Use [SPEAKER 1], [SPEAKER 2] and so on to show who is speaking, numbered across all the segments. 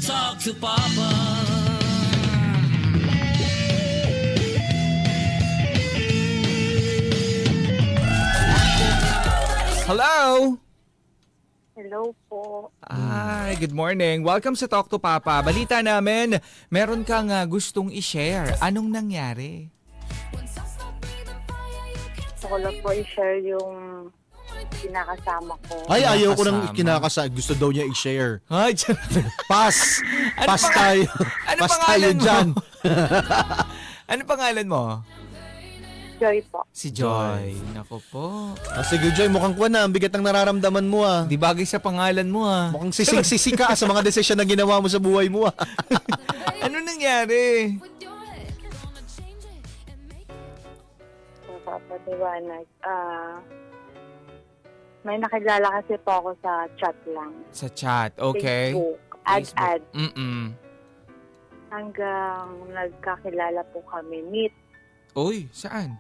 [SPEAKER 1] talk to Papa.
[SPEAKER 2] Hello?
[SPEAKER 3] Hello po.
[SPEAKER 2] Ay, good morning. Welcome sa Talk to Papa. Balita namin, meron kang gustong i-share. Anong nangyari?
[SPEAKER 3] Gusto ko lang po i-share yung kinakasama ko.
[SPEAKER 4] Ay, ayaw ko nang
[SPEAKER 2] Kinakasama.
[SPEAKER 4] kinakasa. Gusto daw niya i-share.
[SPEAKER 2] Ay,
[SPEAKER 4] Pass!
[SPEAKER 2] Ano
[SPEAKER 4] Pass
[SPEAKER 2] pang-
[SPEAKER 4] tayo.
[SPEAKER 2] ano
[SPEAKER 4] Pass tayo
[SPEAKER 2] pangalan mo?
[SPEAKER 4] dyan.
[SPEAKER 2] ano pangalan mo?
[SPEAKER 3] Joy po.
[SPEAKER 2] Si Joy. Nako po.
[SPEAKER 4] Sige, Joy, mukhang kuwan na. Ang bigat ng nararamdaman mo ah.
[SPEAKER 2] Di bagay sa pangalan mo
[SPEAKER 4] Mukhang sising-sisi ka sa mga desisyon na ginawa mo sa buhay mo ah.
[SPEAKER 2] Ano nangyari?
[SPEAKER 3] So, papaliwanag. May nakilala kasi po ako sa chat lang.
[SPEAKER 2] Sa chat, okay.
[SPEAKER 3] Facebook. Ad-ad.
[SPEAKER 2] Mm-mm.
[SPEAKER 3] Hanggang nagkakilala po kami. Meet.
[SPEAKER 2] Uy, saan?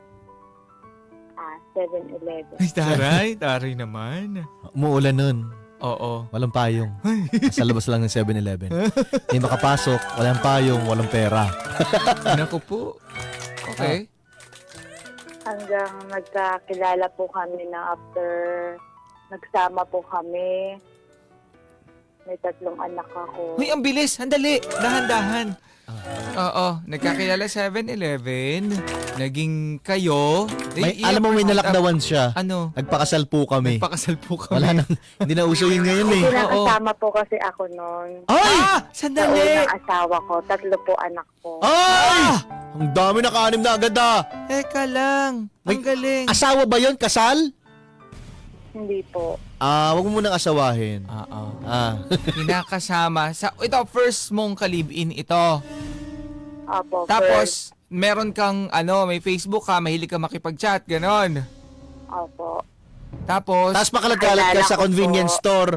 [SPEAKER 3] 7-Eleven.
[SPEAKER 2] Ay, taray naman.
[SPEAKER 4] Umuulan nun.
[SPEAKER 2] Oo.
[SPEAKER 4] Walang payong. Sa labas lang ng 7-Eleven. Hindi makapasok. Walang payong. Walang pera.
[SPEAKER 2] Nako po. Okay.
[SPEAKER 3] Hanggang nagkakilala po kami na after nagsama po kami. May 3 anak ako.
[SPEAKER 2] Uy, ang bilis. Handali. Dahan-dahan. Oo. Nagkakilala 7-Eleven. Naging kayo.
[SPEAKER 4] Alam mo, may nalakdawan siya.
[SPEAKER 2] Ano?
[SPEAKER 4] Nagpakasal po kami.
[SPEAKER 2] Nagpakasal po kami.
[SPEAKER 4] Wala nang, hindi na uso yun ngayon eh.
[SPEAKER 3] Kinakasama po kasi ako noon.
[SPEAKER 4] Ay!
[SPEAKER 3] Sa
[SPEAKER 2] Sandali!
[SPEAKER 3] unang asawa ko. 3 po anak ko.
[SPEAKER 4] Ay! Ang dami naka-anim na agad ah.
[SPEAKER 2] Teka lang. Ang
[SPEAKER 4] May-
[SPEAKER 2] galing.
[SPEAKER 4] Asawa ba yun? Kasal?
[SPEAKER 3] Hindi po.
[SPEAKER 4] Wag mo munang asawahin.
[SPEAKER 2] Oo. Kinakasama. Ito, first mong kalibin ito.
[SPEAKER 3] Opo.
[SPEAKER 2] Tapos, meron kang, may Facebook ka, mahilig ka makipag-chat, ganon.
[SPEAKER 3] Opo.
[SPEAKER 2] Tapos,
[SPEAKER 4] Tapos makalagkalat ka
[SPEAKER 3] Alala
[SPEAKER 4] sa
[SPEAKER 3] ko
[SPEAKER 4] convenience
[SPEAKER 3] po.
[SPEAKER 4] store.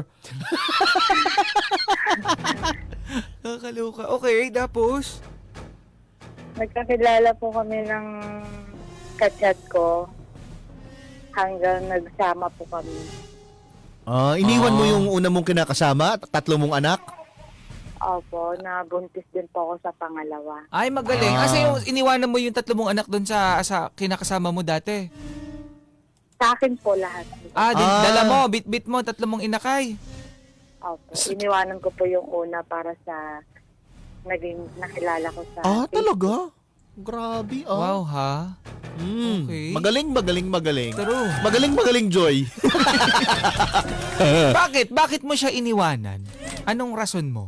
[SPEAKER 2] kakaloka. Okay, tapos?
[SPEAKER 3] Nagkakilala po kami ng kachat ko hanggang nagsama po kami.
[SPEAKER 4] Iniwan mo yung una mong kinakasama, 3 mong anak?
[SPEAKER 3] Opo, nabuntis din po ako sa pangalawa.
[SPEAKER 2] Ay, magaling. Kasi yung iniwanan mo yung 3 mong anak doon sa kinakasama mo dati.
[SPEAKER 3] Sa akin po lahat.
[SPEAKER 2] Dala mo, bit-bit mo, 3 mong inakay.
[SPEAKER 3] Opo, iniwanan ko po yung una para sa naging nakilala ko sa Facebook.
[SPEAKER 4] Talaga? Grabe
[SPEAKER 2] Wow, ha? Okay.
[SPEAKER 4] Magaling.
[SPEAKER 2] True.
[SPEAKER 4] Magaling, Joy.
[SPEAKER 2] Bakit? Bakit mo siya iniwanan? Anong rason mo?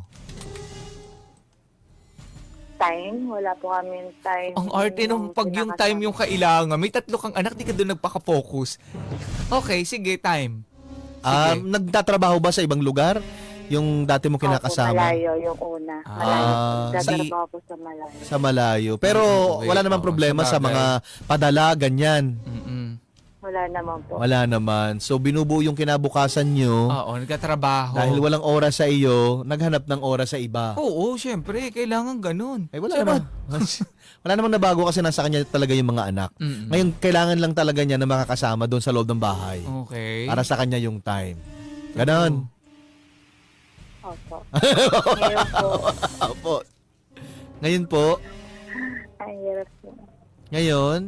[SPEAKER 3] Time, wala po kami time.
[SPEAKER 2] Ang arte nung pag yung time yung kailangan. May 3 kang anak, di ka doon nagpaka-focus. Okay, sige, time. Sige.
[SPEAKER 4] Nagtatrabaho ba sa ibang lugar? Yung dati mo
[SPEAKER 3] Opo,
[SPEAKER 4] kinakasama?
[SPEAKER 3] malayo yung una. Malayo. Nagtatrabaho po sa malayo.
[SPEAKER 4] Sa malayo. Pero
[SPEAKER 2] Okay,
[SPEAKER 4] wala namang
[SPEAKER 2] oo,
[SPEAKER 4] problema
[SPEAKER 2] sa
[SPEAKER 4] sa
[SPEAKER 2] bagay.
[SPEAKER 4] mga padala, ganyan.
[SPEAKER 2] Mm-mm.
[SPEAKER 3] Wala naman po.
[SPEAKER 4] Wala naman. So binubuo yung kinabukasan nyo.
[SPEAKER 2] Oo, nagtatrabaho.
[SPEAKER 4] Dahil walang oras sa iyo, naghanap ng oras sa iba.
[SPEAKER 2] Oo, syempre. Kailangan ganun.
[SPEAKER 4] Wala naman. Wala namang nabago kasi nasa kanya talaga yung mga anak.
[SPEAKER 2] Mm-mm.
[SPEAKER 4] Ngayon, kailangan lang talaga niya na makakasama doon sa loob ng bahay.
[SPEAKER 2] Okay.
[SPEAKER 4] Para sa kanya yung time. Ganon.
[SPEAKER 3] Opo. Ngayon po,
[SPEAKER 4] Opo. Ngayon po,
[SPEAKER 3] ang hirap po.
[SPEAKER 4] ngayon,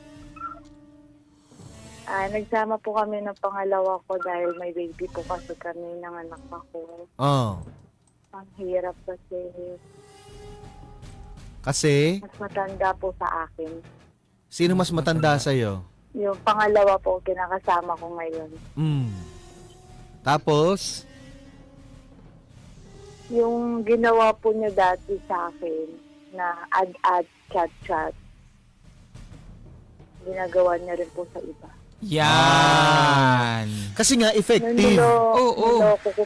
[SPEAKER 3] Nagsama po kami ng pangalawa ko dahil may baby po kasi kami ng anak ako. Ang hirap kasi
[SPEAKER 4] kasi,
[SPEAKER 3] mas matanda po sa akin.
[SPEAKER 4] sino mas matanda sa'yo?
[SPEAKER 3] Yung pangalawa po, kinakasama ko ngayon.
[SPEAKER 4] Tapos,
[SPEAKER 3] Yung ginawa po niya dati sa akin na ad-ad, chat-chat, ginagawa niya rin po sa iba.
[SPEAKER 2] Yan.
[SPEAKER 4] kasi nga effective.
[SPEAKER 2] Oo.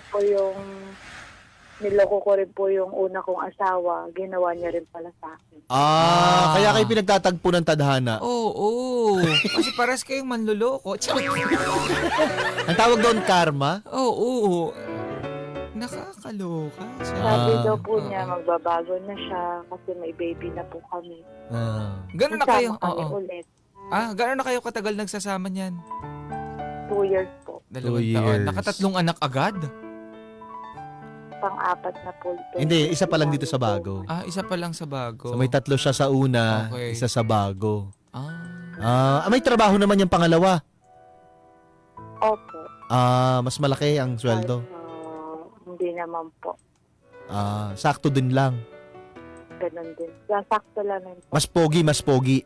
[SPEAKER 3] Niloko ko rin po yung una kong asawa, ginawa niya rin pala sa akin.
[SPEAKER 4] Kaya kayo pinagtatagpo ng tadhana.
[SPEAKER 2] Oo. Kasi paras kayong manluloko.
[SPEAKER 4] Ang tawag doon, karma.
[SPEAKER 2] Oo. Nakakaloka.
[SPEAKER 3] Sabi daw po niya, magbabago na siya kasi may baby na po kami.
[SPEAKER 2] Gano'n na kayo?
[SPEAKER 3] Nagsama kami
[SPEAKER 2] Oo.
[SPEAKER 3] ulit.
[SPEAKER 2] Gano'n na kayo katagal nagsasama niyan?
[SPEAKER 3] 2 years po.
[SPEAKER 2] 2
[SPEAKER 4] 2
[SPEAKER 2] taon.
[SPEAKER 4] years.
[SPEAKER 2] Nakatatlong anak agad?
[SPEAKER 3] pang-apat na po.
[SPEAKER 4] Hindi, isa pa lang dito sa bago.
[SPEAKER 2] Isa pa lang sa bago.
[SPEAKER 4] So may 3 siya sa una,
[SPEAKER 2] Okay.
[SPEAKER 4] isa sa bago.
[SPEAKER 2] Ah.
[SPEAKER 4] May trabaho naman yung pangalawa.
[SPEAKER 3] Opo.
[SPEAKER 4] Mas malaki ang sweldo.
[SPEAKER 3] Hindi naman po.
[SPEAKER 4] Sakto din lang.
[SPEAKER 3] Ganun din. Sakto lang yun po.
[SPEAKER 4] Mas pogi.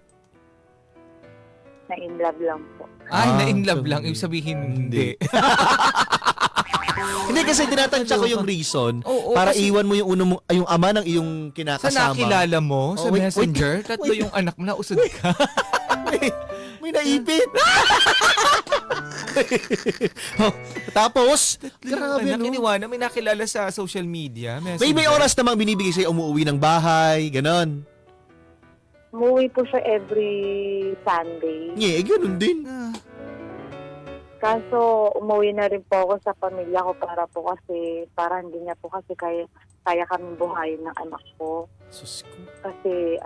[SPEAKER 3] Na in love lang po.
[SPEAKER 2] Na-in love
[SPEAKER 4] so
[SPEAKER 2] lang. Ibig sabihin, hindi.
[SPEAKER 4] Hindi kasi tinatansya ko yung reason
[SPEAKER 2] Oo,
[SPEAKER 4] para
[SPEAKER 2] kasi-
[SPEAKER 4] iwan mo yung yung ama ng iyong
[SPEAKER 2] Sa
[SPEAKER 4] kinakasama.
[SPEAKER 2] nakilala mo, sa
[SPEAKER 4] wait,
[SPEAKER 2] messenger,
[SPEAKER 4] wait.
[SPEAKER 2] tatlo yung anak mo, nausod ka.
[SPEAKER 4] May naipit. Tapos, grabe
[SPEAKER 2] Anak,
[SPEAKER 4] no.
[SPEAKER 2] iniwanan, may nakilala sa social media.
[SPEAKER 4] May oras namang binibigay sa'yo umuwi ng bahay, ganon.
[SPEAKER 3] Umuwi po siya every Sunday.
[SPEAKER 4] Ganun din.
[SPEAKER 3] Kaso umuwi na rin po ako sa pamilya ko para hindi niya po kasi kaya kami buhayin ng anak ko.
[SPEAKER 4] Sus ko.
[SPEAKER 3] Kasi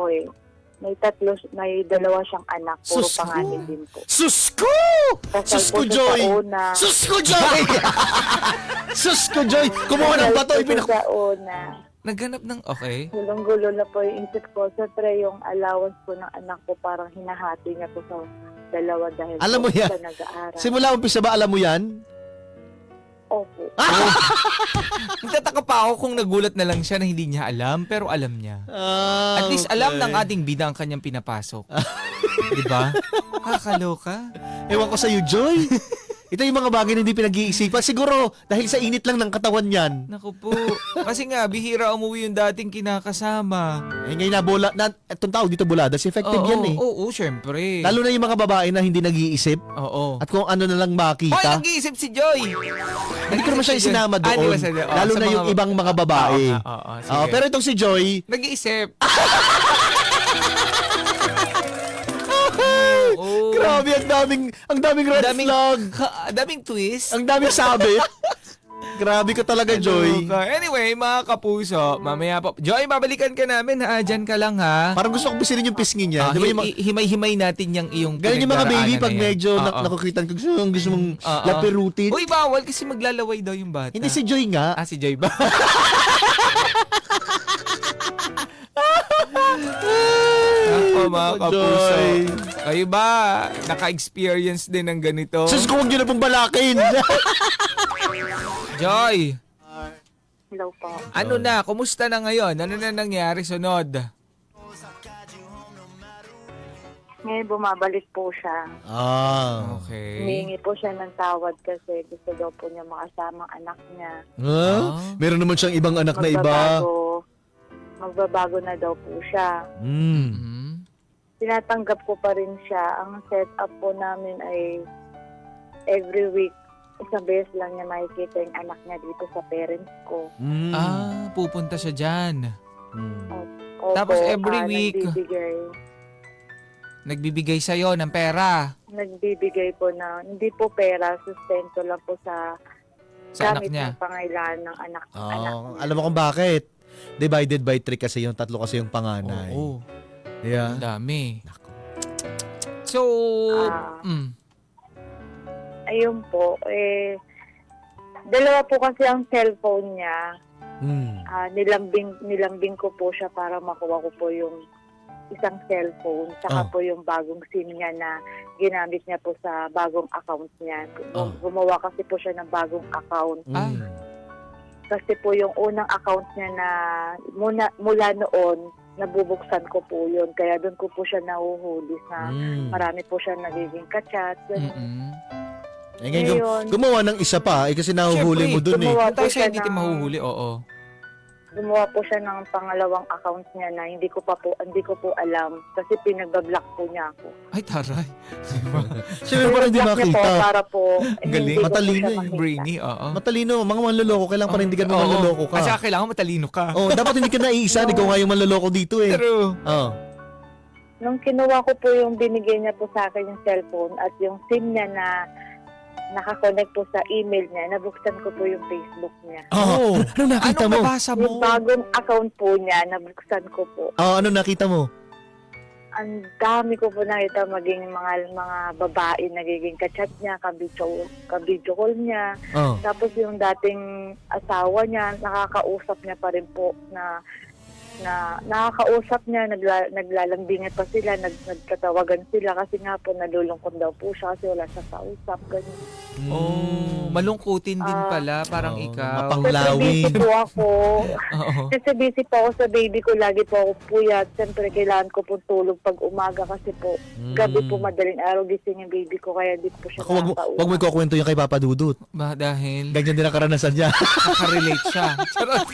[SPEAKER 3] may dalawa siyang anak, puro
[SPEAKER 4] Sus ko.
[SPEAKER 3] panganay din po.
[SPEAKER 4] Sus ko!
[SPEAKER 3] Kasal
[SPEAKER 4] Sus
[SPEAKER 3] po
[SPEAKER 4] ko,
[SPEAKER 3] siya
[SPEAKER 4] Joy!
[SPEAKER 3] sa una.
[SPEAKER 4] Sus ko, Joy! Sus ko, Joy! Kumuha ng bato,
[SPEAKER 3] Kasal po siya sa una.
[SPEAKER 2] Naghanap ng, okay.
[SPEAKER 3] Gulong-gulo na po yung isip ko. Siyempre, yung allowance po ng anak ko, parang hinahati niya po sa dalawa dahil
[SPEAKER 4] Alam mo
[SPEAKER 3] po
[SPEAKER 4] yan?
[SPEAKER 3] siya nag-aaral.
[SPEAKER 4] Simula umpisa ba alam mo yan?
[SPEAKER 3] Opo.
[SPEAKER 2] Nagtataka pa ako kung nagulat na lang siya na hindi niya alam, pero alam niya. At least alam ng ating bida ang kanyang pinapasok. Di ba? Kakaloka.
[SPEAKER 4] Ewan ko sa'yo, Joy. Ito yung mga bagay na hindi pinag-iisipan. Siguro, dahil sa init lang ng katawan yan.
[SPEAKER 2] Naku po. Kasi nga, bihira umuwi yung dating kinakasama.
[SPEAKER 4] Ngayon itong tao dito bulada, si effective yan eh.
[SPEAKER 2] Oo, syempre.
[SPEAKER 4] Lalo na yung mga babae na hindi nag-iisip.
[SPEAKER 2] Oo.
[SPEAKER 4] At kung ano na lang
[SPEAKER 2] Hoy,
[SPEAKER 4] makita.
[SPEAKER 2] nag-iisip si Joy!
[SPEAKER 4] Hindi ko naman siya isinama doon. Lalo na yung ibang mga babae.
[SPEAKER 2] Sige.
[SPEAKER 4] Pero itong si Joy,
[SPEAKER 2] Nag-iisip.
[SPEAKER 4] grabe, ang daming red flag.
[SPEAKER 2] Daming twist.
[SPEAKER 4] Ang daming sabit. Grabe ka talaga, Joy.
[SPEAKER 2] Anyway, mga kapuso, mamaya po. Joy, babalikan ka namin ha. Diyan ka lang ha.
[SPEAKER 4] Parang gusto kong bisirin yung pisngi niya. Di ba yung
[SPEAKER 2] himay-himay natin yung iyong
[SPEAKER 4] ganun yung mga baby
[SPEAKER 2] pinagdaraanan
[SPEAKER 4] pag
[SPEAKER 2] na yan.
[SPEAKER 4] medyo
[SPEAKER 2] Oo.
[SPEAKER 4] nakukitan ko, gusto mong lapirutin.
[SPEAKER 2] Uy, bawal kasi maglalaway daw yung bata.
[SPEAKER 4] Hindi si Joy nga.
[SPEAKER 2] Si Joy ba? Ako mga kapuso.
[SPEAKER 4] Joy.
[SPEAKER 2] Kayo ba, naka-experience din ng ganito?
[SPEAKER 4] Sus ko, huwag nyo na pong balakin.
[SPEAKER 2] Joy,
[SPEAKER 3] Hello po.
[SPEAKER 2] ano na? Kumusta na ngayon? Ano na nangyari sunod?
[SPEAKER 3] Ngayon bumabalik po siya.
[SPEAKER 2] Okay.
[SPEAKER 3] Humingi po siya ng tawad kasi gusto daw po niya makasama ang anak niya.
[SPEAKER 4] Meron naman siyang ibang anak na iba.
[SPEAKER 3] Magbabago na daw po siya.
[SPEAKER 2] Mhm.
[SPEAKER 3] Tinatanggap ko pa rin siya. Ang setup po namin ay every week, isang beses lang niya makikita yung anak niya dito sa parents ko.
[SPEAKER 2] Pupunta siya dyan.
[SPEAKER 3] Opo,
[SPEAKER 2] Tapos every week, nagbibigay sa'yo ng pera
[SPEAKER 3] Nagbibigay po na, hindi po pera, sustento lang po sa
[SPEAKER 2] sa anak
[SPEAKER 3] gamit
[SPEAKER 2] niya.
[SPEAKER 3] ng pangailangan ng anak niya.
[SPEAKER 4] Alam mo kung bakit? Divided by 3 kasi yung tatlo kasi yung panganay.
[SPEAKER 2] Oo.
[SPEAKER 4] Yeah.
[SPEAKER 2] Ang dami. So,
[SPEAKER 3] Ayun po, dalawa po kasi ang cellphone niya. Nilambing ko po siya para makuha ko po yung isang cellphone, saka po yung bagong SIM niya na ginamit niya po sa bagong account niya. Gumawa kasi po siya ng bagong account. Kasi po yung unang account niya na mula noon, nabubuksan ko po yun. Kaya doon ko po siya nahuhuli sa marami po siya nagiging kachat.
[SPEAKER 4] Ngayon, gumawa ng isa pa, kasi nahuhuli mo dun eh.
[SPEAKER 2] Tayo siya hindi tayo mahuhuli, oo.
[SPEAKER 3] Gumawa po siya ng pangalawang account niya na hindi ko po alam kasi pinagbablock po niya ako.
[SPEAKER 2] Ay, taray.
[SPEAKER 4] Siyempre parang hindi
[SPEAKER 3] Pinablock niya po
[SPEAKER 4] makita.
[SPEAKER 3] para po
[SPEAKER 2] Galing.
[SPEAKER 3] hindi ko po
[SPEAKER 4] Matalino
[SPEAKER 3] siya
[SPEAKER 4] eh.
[SPEAKER 3] makita.
[SPEAKER 2] Brainy, oo.
[SPEAKER 4] Matalino, mga manloloko, kailangan panindigan mo manloloko ka.
[SPEAKER 2] At saka kailangan matalino ka.
[SPEAKER 4] Dapat hindi ka naiisa, ikaw nga yung manloloko dito eh.
[SPEAKER 2] True.
[SPEAKER 3] Nung kinuha ko po yung binigay niya po sa akin yung cellphone at yung SIM niya na nakakonect po sa email niya, nabuksan ko po yung Facebook niya.
[SPEAKER 4] Ano nakita
[SPEAKER 2] Anong
[SPEAKER 4] mo?
[SPEAKER 2] nabasa
[SPEAKER 3] Yung
[SPEAKER 2] mo?
[SPEAKER 3] bagong account po niya, nabuksan ko po.
[SPEAKER 4] Ano nakita mo?
[SPEAKER 3] ang dami ko po nakita maging mga babae nagiging kachat niya, ka-video call niya.
[SPEAKER 4] Oh.
[SPEAKER 3] Tapos yung dating asawa niya, nakakausap niya pa rin po na nakakausap niya, naglalambingan pa sila, nagtatawagan sila kasi nga po nalulungkot daw po siya kasi wala siya kausap. Ganyan.
[SPEAKER 2] Oh, malungkutin din pala, parang
[SPEAKER 4] Oo,
[SPEAKER 2] ikaw.
[SPEAKER 4] mapanglawin.
[SPEAKER 3] Kasi busy po ako.
[SPEAKER 2] Oo.
[SPEAKER 3] Kasi busy po ako sa baby ko. Lagi po ako puyat. Siyempre, kailangan ko po tulog pag umaga kasi po gabi po madaling araw gising yung baby ko kaya di po siya
[SPEAKER 4] Ako, wag mo
[SPEAKER 3] nakakausap.
[SPEAKER 4] ikukwento yung kay Papa Dudut.
[SPEAKER 2] Ba, dahil
[SPEAKER 4] Ganyan din ang karanasan niya.
[SPEAKER 2] nakarelate siya. Charot.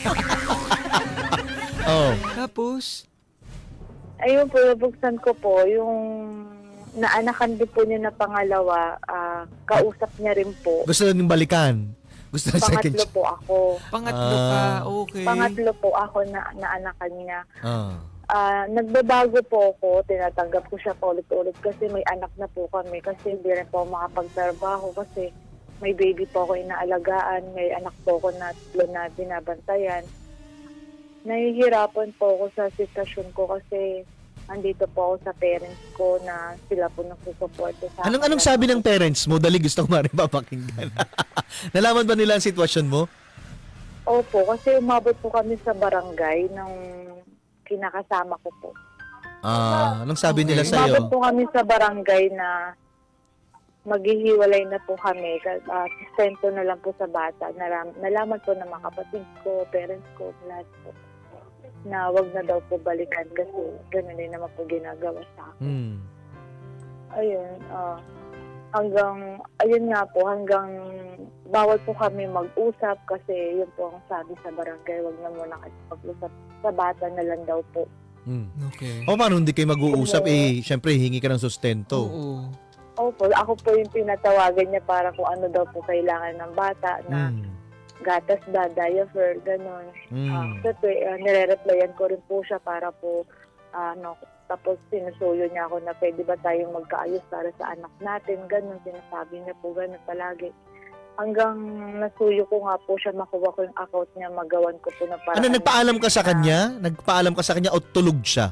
[SPEAKER 4] Oh.
[SPEAKER 2] Tapos,
[SPEAKER 3] Ayun po, nabuksan ko po yung naanakan din po niya na pangalawa, kausap niya rin po.
[SPEAKER 4] Gusto na niyong balikan. Gusto na second
[SPEAKER 3] Pangatlo po ako.
[SPEAKER 2] pangatlo ka, okay.
[SPEAKER 3] Pangatlo po ako na naanakan niya.
[SPEAKER 4] Ah.
[SPEAKER 3] Nagbabago po ako, tinatanggap ko siya paulit-ulit kasi may anak na po kami kasi hindi rin po ako makapagtrabaho kasi may baby po ako inaalagaan, may anak po ako na binabantayan. Nahihirapan po ako sa sitwasyon ko kasi andito po ako sa parents ko na sila po nagsusuporto sa akin.
[SPEAKER 4] Anong sabi ng parents mo? Dali gusto ko maaaring papakinggan. Nalaman ba nila ang sitwasyon mo?
[SPEAKER 3] Opo, kasi umabot po kami sa barangay ng kinakasama ko po.
[SPEAKER 4] Anong sabi nila
[SPEAKER 2] Okay.
[SPEAKER 4] sa'yo?
[SPEAKER 3] Umabot po kami sa barangay na maghihiwalay na po kami. Sustento na lang po sa bata. Nalaman po ng mga kapatid ko, parents ko, lahat po, na wag na daw po balikan kasi gano'n din naman po ginagawa sa akin. Ayun, hanggang bawal po kami mag-usap kasi yun po ang sabi sa barangay, wag na muna kayo mag-usap. Sa bata na lang daw po.
[SPEAKER 2] Okay.
[SPEAKER 4] O paano hindi kayo mag-uusap? Syempre, hingi ka ng sustento.
[SPEAKER 2] Oo.
[SPEAKER 3] Opo, ako po yung pinatawagan niya para kung ano daw po kailangan ng bata na gatas ba, diaper, gano'n. Nire-replyan ko rin po siya para po, tapos sinusuyo niya ako na pwede ba tayong magkaayos para sa anak natin, gano'n. Sinasabi niya po gano'n palagi. Hanggang nasuyo ko nga po siya, makuha ko yung account niya, magawan ko po na paraan.
[SPEAKER 4] Ano, nagpaalam ka sa kanya? Nagpaalam ka sa kanya o tulog siya?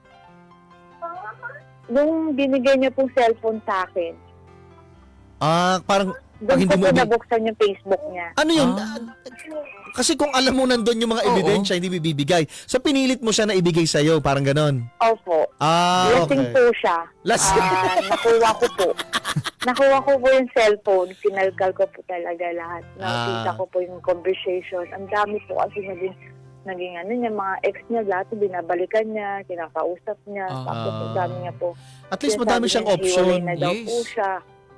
[SPEAKER 3] Nung binigay niya pong cellphone sa akin,
[SPEAKER 4] Parang
[SPEAKER 3] doon
[SPEAKER 4] hindi
[SPEAKER 3] ko
[SPEAKER 4] mo
[SPEAKER 3] po nabuksan yung Facebook niya.
[SPEAKER 4] ano yun? Kasi kung alam mo nandun yung mga
[SPEAKER 2] Oo.
[SPEAKER 4] ebidensya, hindi bibigay. So, pinilit mo siya na ibigay sa'yo, parang ganon.
[SPEAKER 3] Opo. Lasing
[SPEAKER 4] Okay.
[SPEAKER 3] po siya.
[SPEAKER 4] Lasing.
[SPEAKER 3] Nakuha ko po. Nakuha ko po yung cellphone. Kinalkal ko po talaga lahat. Nakita ko po yung conversation. Ang dami po kasi naging ano niya, mga ex niya, lahat binabalikan niya, kinakausap niya. Tapos ang dami niya po.
[SPEAKER 4] At least madami siyang
[SPEAKER 3] Sinasabi niya, hiwalay
[SPEAKER 4] option.
[SPEAKER 3] na daw
[SPEAKER 2] Yes.
[SPEAKER 3] po siya.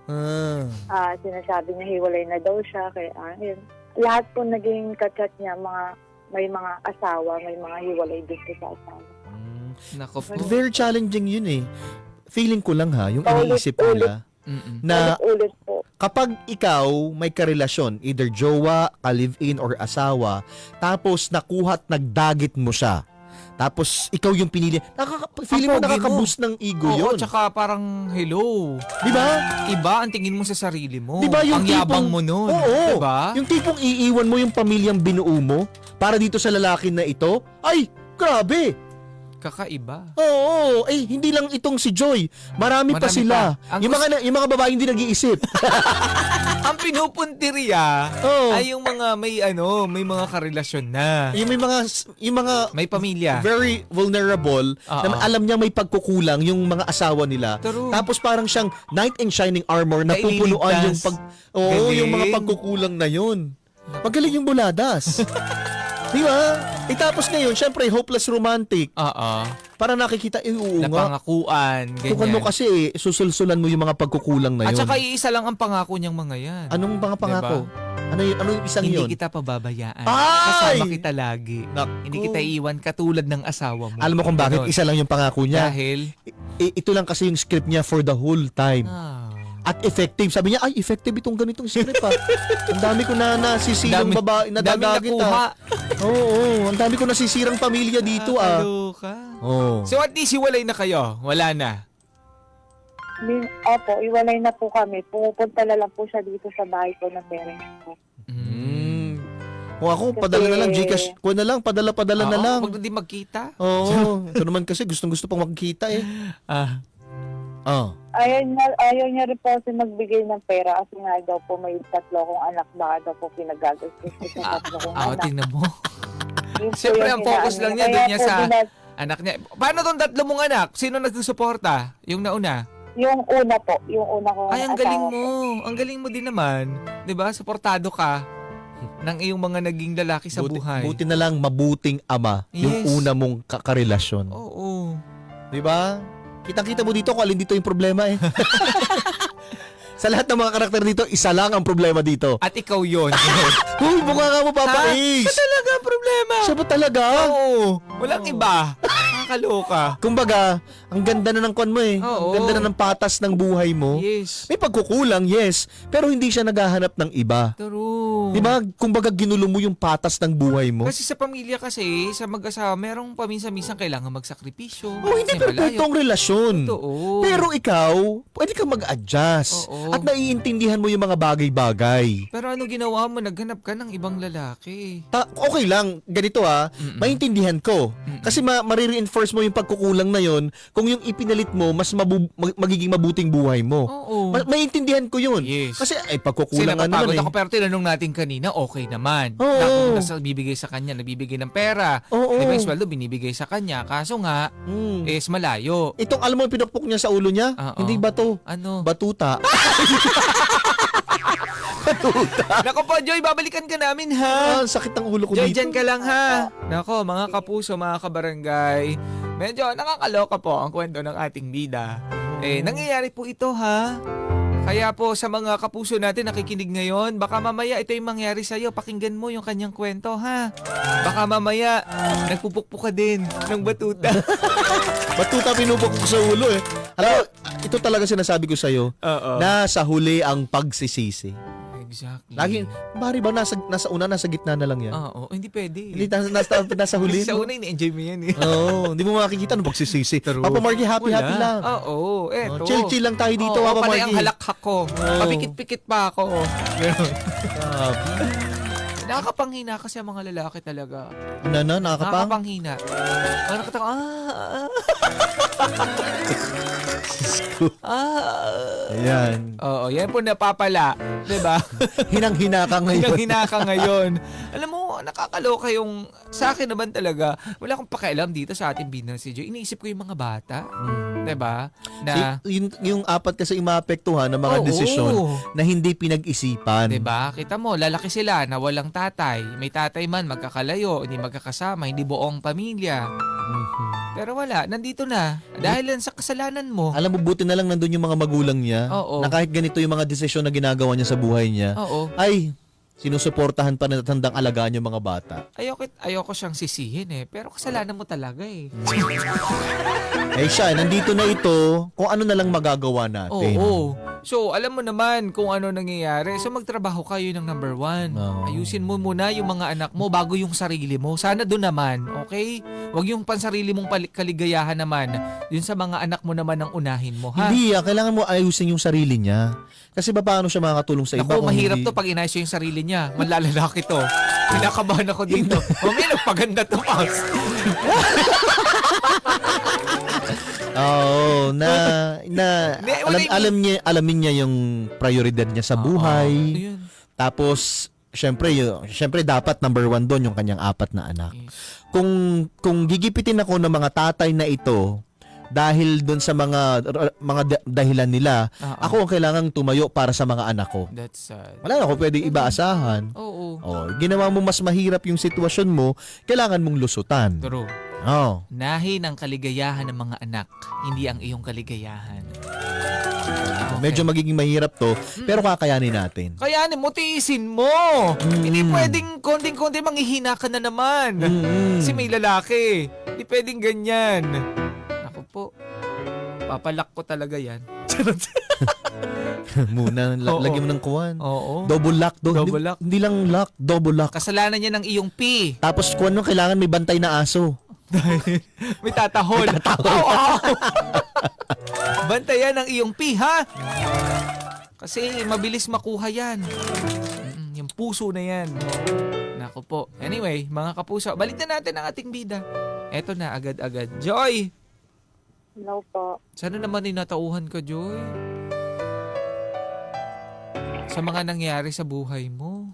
[SPEAKER 3] Sinasabi niya hiwalay na daw siya. Kaya yun. Lahat po naging kachat niya, may mga asawa, may mga hiwalay din po sa asawa.
[SPEAKER 2] Nako po.
[SPEAKER 4] Very challenging yun eh. Feeling ko lang ha, yung iniisip nila na
[SPEAKER 3] Ulit po.
[SPEAKER 4] kapag ikaw may karelasyon, either jowa, ka-live-in, or asawa, tapos nakuha at nagdagit mo siya, tapos ikaw yung pinili, feeling mo
[SPEAKER 2] Ang pogi
[SPEAKER 4] nakaka-boost ng ego
[SPEAKER 2] Oo,
[SPEAKER 4] yun.
[SPEAKER 2] tsaka parang hello.
[SPEAKER 4] Di ba?
[SPEAKER 2] Iba ang tingin mo sa sarili mo.
[SPEAKER 4] Di ba yung
[SPEAKER 2] ang yabang
[SPEAKER 4] tipong-
[SPEAKER 2] mo nun.
[SPEAKER 4] Oo.
[SPEAKER 2] Di ba?
[SPEAKER 4] Yung tipong iiwan mo yung pamilyang binuo mo para dito sa lalaki na ito, ay, grabe.
[SPEAKER 2] Kakaiba.
[SPEAKER 4] Oo, hindi lang itong si Joy. Marami pa
[SPEAKER 2] Marami
[SPEAKER 4] sila.
[SPEAKER 2] pa. Ang
[SPEAKER 4] Yung mga babae hindi nag-iisip.
[SPEAKER 2] Ang pinupuntirya
[SPEAKER 4] Oo.
[SPEAKER 2] ay yung mga may mga karelasyon na.
[SPEAKER 4] yung mga
[SPEAKER 2] May pamilya.
[SPEAKER 4] very vulnerable na
[SPEAKER 2] Oo.
[SPEAKER 4] alam niya may pagkukulang yung mga asawa nila.
[SPEAKER 2] True.
[SPEAKER 4] Tapos parang siyang knight in shining armor na
[SPEAKER 2] Na
[SPEAKER 4] pupunuan yung
[SPEAKER 2] ililigtas.
[SPEAKER 4] yung mga
[SPEAKER 2] Galing.
[SPEAKER 4] pagkukulang na yun. Magaling yung buladas. Di ba? Tapos ngayon, syempre, hopeless romantic.
[SPEAKER 2] Oo.
[SPEAKER 4] Para nakikita, oo nga.
[SPEAKER 2] Napangakuan.
[SPEAKER 4] Tukan mo
[SPEAKER 2] Ganyan.
[SPEAKER 4] kasi, susulsulan mo yung mga pagkukulang na
[SPEAKER 2] At
[SPEAKER 4] yun.
[SPEAKER 2] saka iisa lang ang pangako niyang mga yan.
[SPEAKER 4] Anong mga pangako? Ano yung isang
[SPEAKER 2] Hindi
[SPEAKER 4] yun?
[SPEAKER 2] kita pababayaan.
[SPEAKER 4] Ay!
[SPEAKER 2] Kasama kita lagi.
[SPEAKER 4] Naku.
[SPEAKER 2] Hindi kita iiwan katulad ng asawa mo.
[SPEAKER 4] Alam mo kung bakit
[SPEAKER 2] Ganon.
[SPEAKER 4] isa lang yung pangako niya?
[SPEAKER 2] Dahil,
[SPEAKER 4] Ito lang kasi yung script niya for the whole time. At effective. Sabi niya, ay, effective itong ganitong script ha. Ang dami ko na nasisirang babae na
[SPEAKER 2] daming
[SPEAKER 4] dadagit
[SPEAKER 2] nakuha.
[SPEAKER 4] Oo, ang dami ko nasisirang pamilya dito ah.
[SPEAKER 2] Kaloka.
[SPEAKER 4] Oo.
[SPEAKER 2] So at least hiwalay na kayo. Wala na.
[SPEAKER 3] Opo, iwalay na po kami. Pupunta na lang po siya dito sa bahay ko ng parents ko.
[SPEAKER 4] Mm. Kung ako, padala na lang, Gcash ko na lang, padala-padala na lang.
[SPEAKER 2] Huwag na din magkita.
[SPEAKER 4] Oo, ito naman kasi gustong-gusto pang magkita eh.
[SPEAKER 2] Ah.
[SPEAKER 3] Ayaw niya rin po kasi magbigay ng pera kasi nga daw po may 3 kong anak, baka daw po pinagagastos ko sa 3 kong anak.
[SPEAKER 2] Tingnan mo.
[SPEAKER 3] Yun po
[SPEAKER 2] Siyempre,
[SPEAKER 3] yung
[SPEAKER 2] ang focus
[SPEAKER 3] inaano
[SPEAKER 2] lang
[SPEAKER 3] niya.
[SPEAKER 2] niya doon
[SPEAKER 3] Kaya
[SPEAKER 2] niya
[SPEAKER 3] po
[SPEAKER 2] sa anak niya. Paano tong 3 mong anak? Sino nagsusuporta? Yung nauna?
[SPEAKER 3] Yung una po, yung una kong
[SPEAKER 2] Ay, ang galing
[SPEAKER 3] asawa
[SPEAKER 2] mo.
[SPEAKER 3] po.
[SPEAKER 2] Ang galing mo din naman. 'Di ba? Suportado ka ng iyong mga naging lalaki sa buhay.
[SPEAKER 4] Buti na lang mabuting ama yung
[SPEAKER 2] Yes.
[SPEAKER 4] una mong karelasyon.
[SPEAKER 2] Oo.
[SPEAKER 4] Di ba? Kitang-kita mo dito kung alin dito yung problema eh. Sa lahat ng mga karakter dito, isa lang ang problema dito.
[SPEAKER 2] At ikaw 'yon.
[SPEAKER 4] Huy, mukha ka mo, Papa Ace!
[SPEAKER 2] Siya talaga ang problema.
[SPEAKER 4] Siya ba talaga?
[SPEAKER 2] Oo. Walang iba. Nakakaloka.
[SPEAKER 4] Kumbaga, ang ganda na ng kwan mo eh.
[SPEAKER 2] Oo.
[SPEAKER 4] Ang ganda na ng patas ng buhay mo.
[SPEAKER 2] Yes.
[SPEAKER 4] May pagkukulang, yes. Pero hindi siya naghahanap ng iba.
[SPEAKER 2] True.
[SPEAKER 4] Di ba? Kumbaga, ginulo mo yung patas ng buhay mo.
[SPEAKER 2] Kasi sa pamilya kasi, sa mag-asawa, merong paminsan-minsan kailangan magsakripisyo.
[SPEAKER 4] Oh, hindi
[SPEAKER 2] Kasi malayo.
[SPEAKER 4] perfectong relasyon.
[SPEAKER 2] Totoo.
[SPEAKER 4] Pero ikaw, pwede kang mag-adjust.
[SPEAKER 2] Oo.
[SPEAKER 4] At naiintindihan mo yung mga bagay-bagay.
[SPEAKER 2] Pero ano ginawa mo? Naghanap ka ng ibang lalaki.
[SPEAKER 4] Okay lang, ganito maintindihan ko. Kasi marireinforce mo yung pagkukulang na yon kung yung ipinalit mo, mas magiging mabuting buhay mo.
[SPEAKER 2] Oo.
[SPEAKER 4] Maintindihan ko yun.
[SPEAKER 2] Yes.
[SPEAKER 4] Kasi ay
[SPEAKER 2] Kasi
[SPEAKER 4] pagkukulang nga
[SPEAKER 2] napapagod
[SPEAKER 4] naman
[SPEAKER 2] ako pero tinanong natin kanina, okay naman.
[SPEAKER 4] Oo.
[SPEAKER 2] Napunta sa bibigay sa kanya, nagbibigay ng pera.
[SPEAKER 4] Oo.
[SPEAKER 2] Di ba yung sweldo binibigay sa kanya? Kaso nga, is malayo.
[SPEAKER 4] Itong alam mo yung pinukpok niya sa ulo niya?
[SPEAKER 2] Oo.
[SPEAKER 4] Hindi bato.
[SPEAKER 2] Ano?
[SPEAKER 4] Batuta.
[SPEAKER 2] Nako po, Joy, babalikan ka namin ha.
[SPEAKER 4] Sakit ng ulo ko
[SPEAKER 2] Joy,
[SPEAKER 4] dito.
[SPEAKER 2] dyan ka lang ha. Nako, mga kapuso, mga kabarangay. Medyo nakakaloka po ang kwento ng ating bida. Nangyayari po ito ha. Kaya po sa mga kapuso natin nakikinig ngayon, baka mamaya ito yung mangyari sa'yo. Pakinggan mo yung kanyang kwento ha. Baka mamaya nagpupukpok ka din ng batuta.
[SPEAKER 4] Batuta pinupok ko sa ulo eh. Alam mo, ito talaga sinasabi ko sa'yo.
[SPEAKER 2] Oo.
[SPEAKER 4] Nasa huli ang pagsisisi.
[SPEAKER 2] Exactly.
[SPEAKER 4] Lagi, bari ba nasa una, nasa gitna na lang yan?
[SPEAKER 2] Oo, hindi pwede.
[SPEAKER 4] Hindi, nasa huli.
[SPEAKER 2] Sa
[SPEAKER 4] no?
[SPEAKER 2] una, ini-enjoy mo yan eh.
[SPEAKER 4] Oo, hindi mo makikita nung pagsisisi.
[SPEAKER 2] True.
[SPEAKER 4] Papa Marky, happy lang.
[SPEAKER 2] Oo, eto.
[SPEAKER 4] Chill lang tayo dito,
[SPEAKER 2] Oo,
[SPEAKER 4] Papa
[SPEAKER 2] panay
[SPEAKER 4] Marky.
[SPEAKER 2] ang halakhak ko. Papikit-pikit pa ako. Ganun. Nakakapanghina kasi ang mga lalaki talaga.
[SPEAKER 4] Nakakapang?
[SPEAKER 2] Nakakapanghina. Nakakatang,
[SPEAKER 4] Ayan.
[SPEAKER 2] Oo, yan po napapala. Diba?
[SPEAKER 4] Hinang-hina ka ngayon.
[SPEAKER 2] Hinang-hina ka ngayon. Alam mo, nakakaloka yung, sa akin naman talaga, wala akong pakialam dito sa ating binang si Joy. Iniisip ko yung mga bata. Diba? Na,
[SPEAKER 4] Yung apat kasi yung maapektuhan ng mga
[SPEAKER 2] Oo.
[SPEAKER 4] desisyon na hindi pinag-isipan.
[SPEAKER 2] diba? Kita mo, lalaki sila na walang tatay. May tatay man, magkakalayo, hindi magkakasama, hindi buong pamilya. Pero wala, nandito na. Dahil lang sa kasalanan mo.
[SPEAKER 4] Alam mo, buti na lang nandun yung mga magulang niya
[SPEAKER 2] Oo.
[SPEAKER 4] na kahit ganito yung mga desisyon na ginagawa niya sa buhay niya,
[SPEAKER 2] Oo.
[SPEAKER 4] ay, sinusuportahan pa na tandang alagaan yung mga bata.
[SPEAKER 2] Ayoko siyang sisihin eh. Pero kasalanan mo talaga eh.
[SPEAKER 4] Eh siya, nandito na ito, kung ano na lang magagawa natin.
[SPEAKER 2] Oo. So, alam mo naman kung ano nangyayari. So, magtrabaho kayo ng number 1.
[SPEAKER 4] Oo.
[SPEAKER 2] Ayusin mo muna yung mga anak mo bago yung sarili mo. Sana doon naman, okay? Huwag yung pansarili mong kaligayahan naman. Yun sa mga anak mo naman ang unahin mo, ha?
[SPEAKER 4] Hindi kailangan mo ayusin yung sarili niya. Kasi paano siya makakatulong sa iba
[SPEAKER 2] Ako,
[SPEAKER 4] kung
[SPEAKER 2] mahirap
[SPEAKER 4] hindi...
[SPEAKER 2] to pag inayos yung sarili niya. Malalalaki to. Kinakabahan ako dito. Mamaya, nagpaganda to, Pops.
[SPEAKER 4] Oo, alamin niya yung prioridad niya sa buhay.
[SPEAKER 2] Yun.
[SPEAKER 4] Tapos, syempre dapat number 1 doon yung kanyang 4 na anak.
[SPEAKER 2] Yes.
[SPEAKER 4] Kung gigipitin ako ng mga tatay na ito dahil doon sa mga dahilan nila, ako ang kailangang tumayo para sa mga anak ko.
[SPEAKER 2] That's sad.
[SPEAKER 4] Wala na ako pwede ibaasahan.
[SPEAKER 2] Oo.
[SPEAKER 4] Ginawa mo mas mahirap yung sitwasyon mo, kailangan mong lusutan.
[SPEAKER 2] True.
[SPEAKER 4] Oh.
[SPEAKER 2] Nahin ang kaligayahan ng mga anak, hindi ang iyong kaligayahan.
[SPEAKER 4] Medyo magiging mahirap to, pero kakayanin natin.
[SPEAKER 2] Kaya mo, tiisin mo. Hindi pwedeng konting-konti manghihina ka na naman. Kasi may lalaki. Hindi pwedeng ganyan. Ako po, papalak ko talaga yan.
[SPEAKER 4] Muna,
[SPEAKER 2] Oo.
[SPEAKER 4] lagyan mo ng kuwan.
[SPEAKER 2] Oo.
[SPEAKER 4] Double lock.
[SPEAKER 2] Double lock.
[SPEAKER 4] Hindi lang lock, double lock.
[SPEAKER 2] Kasalanan niya ng iyong P.
[SPEAKER 4] Tapos kuwan mo, kailangan may bantay na aso.
[SPEAKER 2] May tatahol. Wow! Bantayan ang iyong P, ha? Kasi mabilis makuha yan. Yung puso na yan. Nako po. Anyway, mga kapuso, balik na natin ang ating bida. Eto na, agad-agad. Joy!
[SPEAKER 3] Hello po.
[SPEAKER 2] Sana naman ninatauhan ka, Joy. Sa mga nangyari sa buhay mo.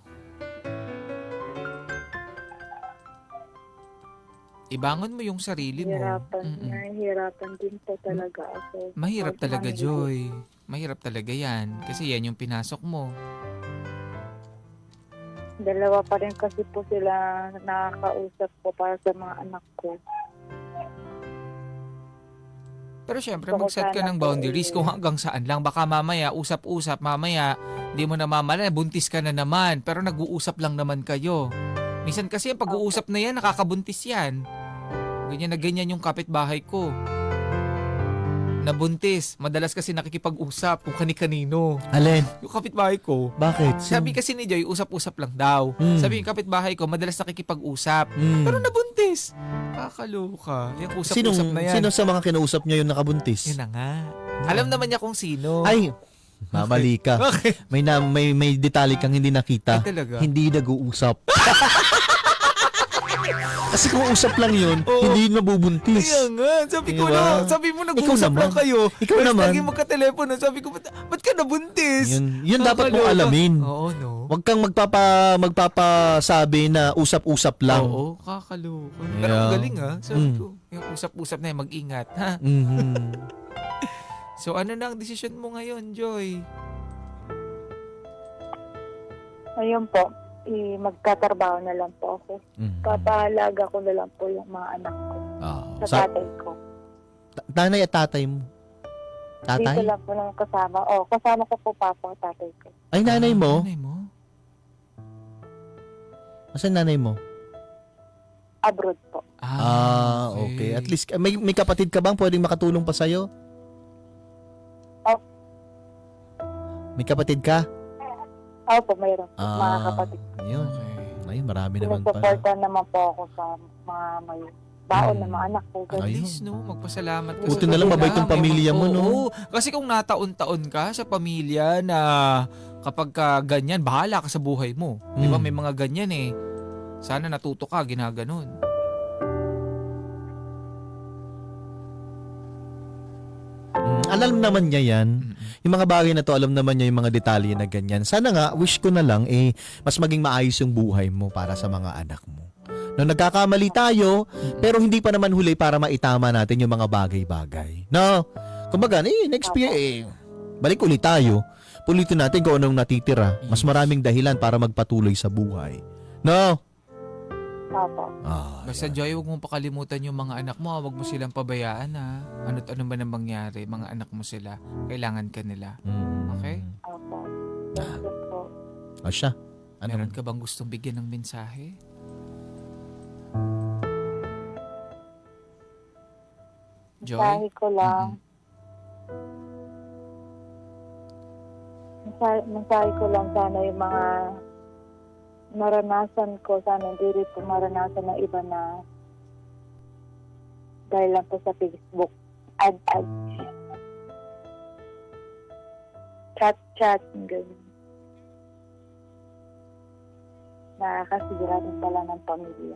[SPEAKER 2] Ibangon mo yung sarili mo.
[SPEAKER 3] Nahihirapan din po talaga ako.
[SPEAKER 2] Mahirap talaga, Joy. Mahirap talaga yan. Kasi yan yung pinasok mo.
[SPEAKER 3] Dalawa pa rin kasi po sila nakakausap ko para sa mga anak ko.
[SPEAKER 2] Pero syempre,
[SPEAKER 3] Gusto ko
[SPEAKER 2] mag-set ka
[SPEAKER 3] sana
[SPEAKER 2] ng
[SPEAKER 3] po
[SPEAKER 2] boundaries kung hanggang saan lang. Baka mamaya, usap-usap, mamaya, di mo na mamala, buntis ka na naman. Pero nag-uusap lang naman kayo. Minsan kasi yung pag-uusap na yan, nakakabuntis yan. Ganyan na ganyan yung kapitbahay ko. Nabuntis. Madalas kasi nakikipag-usap kung kani-kanino.
[SPEAKER 4] Alin?
[SPEAKER 2] Yung kapitbahay ko,
[SPEAKER 4] Bakit?
[SPEAKER 2] sabi kasi ni Joy, usap-usap lang daw. Sabi yung kapitbahay ko, madalas nakikipag-usap. Pero nabuntis. Kakaloka. Yung usap-usap na yan.
[SPEAKER 4] Sino sa mga kinausap niya yung nakabuntis?
[SPEAKER 2] Yun na nga. Alam naman niya kung sino.
[SPEAKER 4] Ay, mamali ka.
[SPEAKER 2] Okay.
[SPEAKER 4] May detalye kang hindi nakita.
[SPEAKER 2] Ay, talaga?
[SPEAKER 4] Hindi nag-uusap. Kasi kung usap lang yun,
[SPEAKER 2] Oo.
[SPEAKER 4] hindi yun mabubuntis.
[SPEAKER 2] Kaya nga. Sabi ko
[SPEAKER 4] Diba?
[SPEAKER 2] na, sabi mo
[SPEAKER 4] Ikaw
[SPEAKER 2] nag-uusap
[SPEAKER 4] naman.
[SPEAKER 2] lang kayo.
[SPEAKER 4] Ikaw
[SPEAKER 2] Tapos
[SPEAKER 4] naman.
[SPEAKER 2] lagi magka-telepono. Sabi ko, ba't ka nabuntis?
[SPEAKER 4] Yun dapat mong
[SPEAKER 2] Kakaloka.
[SPEAKER 4] alamin.
[SPEAKER 2] Oo, no?
[SPEAKER 4] Huwag kang magpapasabi na usap-usap lang.
[SPEAKER 2] Oo, kakaloka. Pero ang galing Sabi ko, yung usap-usap na yan, mag-ingat. Ha?
[SPEAKER 4] Mhm.
[SPEAKER 2] So ano na ang desisyon mo ngayon, Joy?
[SPEAKER 3] Ayun po, magtatrabaho na lang po ako.
[SPEAKER 4] Mhm.
[SPEAKER 3] Papahalaga ko na lang po yung mga anak ko
[SPEAKER 4] Ah,
[SPEAKER 3] sa tatay ko.
[SPEAKER 4] Nanay at tatay mo.
[SPEAKER 3] Dito
[SPEAKER 4] Tatay?
[SPEAKER 3] lang po nang kasama. Kasama ko po papa at tatay ko.
[SPEAKER 4] Ay, nanay mo?
[SPEAKER 2] Nanay mo?
[SPEAKER 4] Asan nanay mo?
[SPEAKER 3] Abroad po.
[SPEAKER 4] Okay. At least, may kapatid ka bang pwedeng makatulong pa sa'yo?
[SPEAKER 3] Oh.
[SPEAKER 4] May kapatid ka?
[SPEAKER 3] Po, mayroon po. Mga kapatid.
[SPEAKER 4] Yun.
[SPEAKER 2] Okay.
[SPEAKER 4] Ay, marami naman pala.
[SPEAKER 3] Sinusuportan naman po ako sa mga may baon ng mga anak ko.
[SPEAKER 2] At
[SPEAKER 4] Ayun.
[SPEAKER 2] least, no, magpasalamat ka.
[SPEAKER 4] Buti
[SPEAKER 2] sa
[SPEAKER 4] na lang mabait
[SPEAKER 2] kanila.
[SPEAKER 4] yung pamilya mo, no?
[SPEAKER 2] Oo. Kasi kung nataon-taon ka sa pamilya na kapag ka ganyan, bahala ka sa buhay mo. Di ba? May mga ganyan eh. Sana natuto ka, ginaganon.
[SPEAKER 4] Alam naman niya yan.
[SPEAKER 2] Mm-mm.
[SPEAKER 4] Yung mga bagay na to, alam naman niya yung mga detalye na ganyan. Sana nga, wish ko na lang, mas maging maayos yung buhay mo para sa mga anak mo. No, nagkakamali tayo, pero hindi pa naman huli para maitama natin yung mga bagay-bagay. No? Kumbaga, next year, balik ulit tayo. Pulitin natin kung anong natitira. Mas maraming dahilan para magpatuloy sa buhay. No?
[SPEAKER 3] Opo.
[SPEAKER 2] Basta Joy, huwag mong pakalimutan yung mga anak mo. Huwag mo silang pabayaan ha. Ano't ano ba nang mangyari? Mga anak mo sila. Kailangan ka nila. Okay?
[SPEAKER 3] Opo. Thank you po.
[SPEAKER 4] O siya.
[SPEAKER 2] Meron ka bang gustong bigyan ng mensahe? Joy?
[SPEAKER 3] Mensahe ko lang. Mensahe ko lang sana yung mga naranasan ko, sana hindi rin po maranasan ng iba na dahil lang po sa Facebook. Ad. Chat, ganyan. Nakakasira din pala ng pamilya.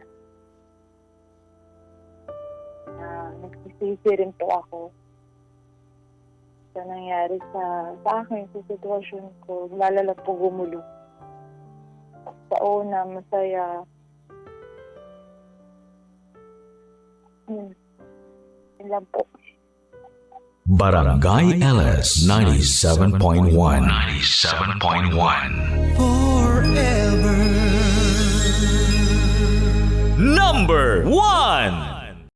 [SPEAKER 3] Nagsisisi rin po ako sa nangyari sa akin, sa sitwasyon ko. Lalala po gumulo. Sa una, masaya. Yun lang po.
[SPEAKER 1] Barangay LS 97.1 Forever Number 1